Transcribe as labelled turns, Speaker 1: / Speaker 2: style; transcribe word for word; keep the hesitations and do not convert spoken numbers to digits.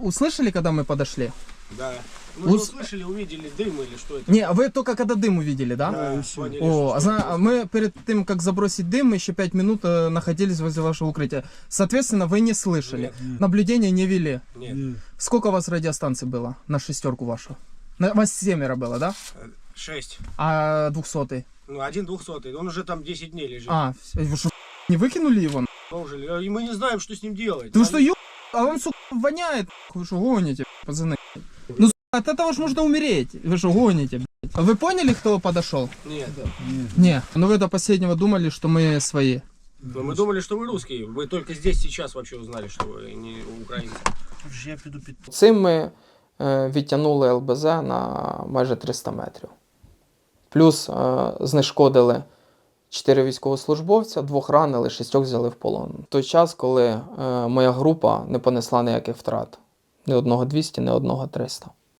Speaker 1: услышали, когда мы подошли?
Speaker 2: Да. Мы же
Speaker 1: Ус-
Speaker 2: услышали, увидели дым или что это?
Speaker 1: Не, а вы только когда дым увидели, да?
Speaker 2: Да, поняли,
Speaker 1: О,
Speaker 2: что
Speaker 1: а
Speaker 2: что
Speaker 1: зна-
Speaker 2: это.
Speaker 1: мы перед тем, как забросить дым, мы еще пять минут э, находились возле вашего укрытия. Соответственно, вы не слышали.
Speaker 2: Нет.
Speaker 1: Наблюдения не вели.
Speaker 2: Нет.
Speaker 1: Сколько у вас радиостанций было на шестерку вашу? На, вас семеро было, да?
Speaker 2: Шесть.
Speaker 1: А двухсотый?
Speaker 2: Ну, один двухсотый. Он уже там десять дней лежит.
Speaker 1: А, вы что, не выкинули его?
Speaker 2: Положили. И мы не знаем, что с ним делать.
Speaker 1: Потому
Speaker 2: Там-
Speaker 1: что, ё... а он, сука, воняет. Вы что, гоните, пацаны? Ну, сука, от этого ж можно умереть. Вы что, гоните, блядь? А вы поняли, кто подошел?
Speaker 2: Нет.
Speaker 1: Не. Ну вы до последнего думали, что мы свои.
Speaker 2: Но мы думали, что вы русские. Вы только здесь сейчас вообще узнали, что вы не украинцы.
Speaker 3: Я піду під...
Speaker 1: Цим ми е, відтягнули ел бе зет на майже триста метрів. Плюс е, знешкодили чотири військовослужбовця, двох ранили, шістьох взяли в полон. В той час, коли е, моя група не понесла ніяких втрат. Ні одного двісті, ні одного триста.